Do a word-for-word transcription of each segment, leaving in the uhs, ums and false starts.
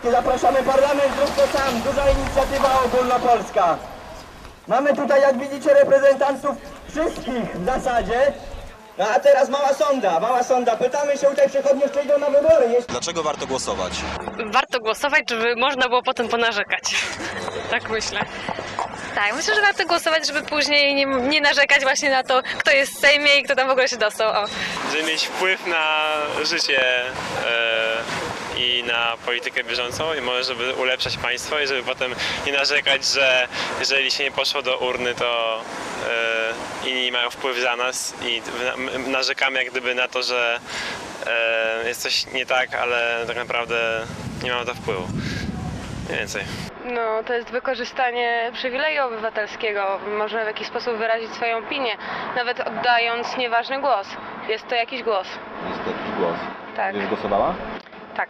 Zapraszamy parlament, zrób to sam, duża inicjatywa ogólnopolska. Mamy tutaj, jak widzicie, reprezentantów wszystkich w zasadzie. No a teraz mała sonda, mała sonda. Pytamy się tutaj przechodniów, czy idą na wybory. Jeśli... Dlaczego warto głosować? Warto głosować, żeby można było potem ponarzekać. Tak myślę. Tak, myślę, że warto głosować, żeby później nie, nie narzekać właśnie na to, kto jest w Sejmie i kto tam w ogóle się dostał. O. Żeby mieć wpływ na życie e, i na politykę bieżącą i może żeby ulepszać państwo i żeby potem nie narzekać, że jeżeli się nie poszło do urny, to e, inni mają wpływ za nas i na, narzekamy jak gdyby na to, że e, jest coś nie tak, ale tak naprawdę nie mamy to wpływu. Mniej więcej. No, to jest wykorzystanie przywileju obywatelskiego. Można w jakiś sposób wyrazić swoją opinię, nawet oddając nieważny głos. Jest to jakiś głos. Jest to jakiś głos. Tak. Już głosowała? Tak.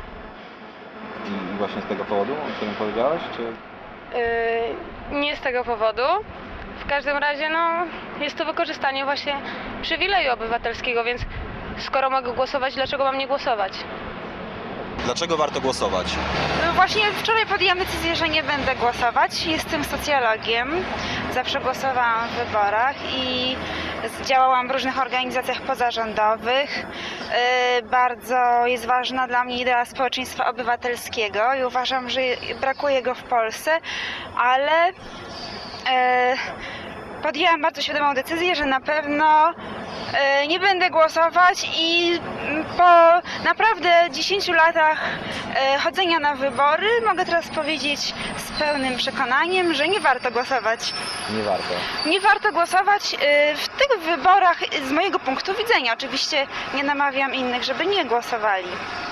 I właśnie z tego powodu, o którym powiedziałaś, czy... Yy, nie z tego powodu. W każdym razie, no, jest to wykorzystanie właśnie przywileju obywatelskiego, więc skoro mogę głosować, dlaczego mam nie głosować? Dlaczego warto głosować? Właśnie wczoraj podjęłam decyzję, że nie będę głosować. Jestem socjologiem. Zawsze głosowałam w wyborach i działałam w różnych organizacjach pozarządowych. Yy, bardzo jest ważna dla mnie idea społeczeństwa obywatelskiego i uważam, że brakuje go w Polsce, ale yy, podjęłam bardzo świadomą decyzję, że na pewno yy, nie będę głosować i po naprawdę dziesięciu latach yy, chodzenia na wybory mogę teraz powiedzieć z pełnym przekonaniem, że nie warto głosować. Nie warto. Nie warto głosować yy, w tych wyborach z mojego punktu widzenia. Oczywiście nie namawiam innych, żeby nie głosowali.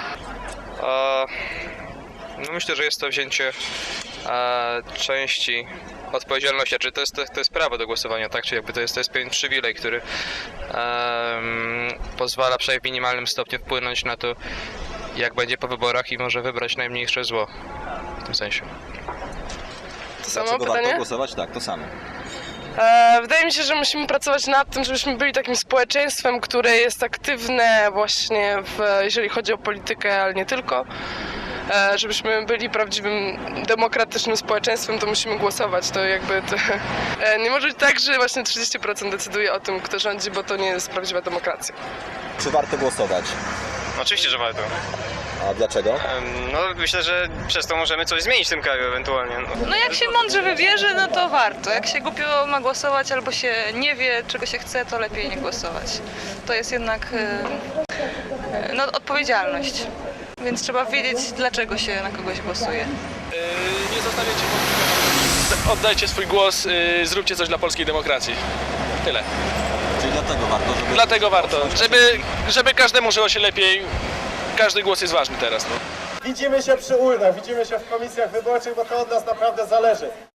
E, no myślę, że jest to wzięcie e, części odpowiedzialności, czy to jest, to jest prawo do głosowania, tak? Czy jakby to jest, to jest pewien przywilej, który um, pozwala przynajmniej w minimalnym stopniu wpłynąć na to, jak będzie po wyborach i może wybrać najmniejsze zło w tym sensie. To samo Dlaczego pytanie? warto głosować? Tak, to samo. E, wydaje mi się, że musimy pracować nad tym, żebyśmy byli takim społeczeństwem, które jest aktywne właśnie, w, jeżeli chodzi o politykę, ale nie tylko. E, żebyśmy byli prawdziwym, demokratycznym społeczeństwem, to musimy głosować. To jakby to, e, nie może być tak, że właśnie trzydzieści procent decyduje o tym, kto rządzi, bo to nie jest prawdziwa demokracja. Czy warto głosować? Oczywiście, że warto. A dlaczego? No myślę, że przez to możemy coś zmienić w tym kraju ewentualnie. No jak się mądrze wybierze, no to warto. Jak się głupio ma głosować albo się nie wie, czego się chce, to lepiej nie głosować. To jest jednak yy, no, odpowiedzialność. Więc trzeba wiedzieć, dlaczego się na kogoś głosuje. Yy, nie zostawiajcie wątpliwości. Oddajcie swój głos, yy, zróbcie coś dla polskiej demokracji. Tyle. Czyli dlatego warto, żeby... Dlatego warto, żeby, żeby każdemu żyło się lepiej. Każdy głos jest ważny teraz. No. Widzimy się przy urnach, widzimy się w komisjach wyborczych, bo to od nas naprawdę zależy.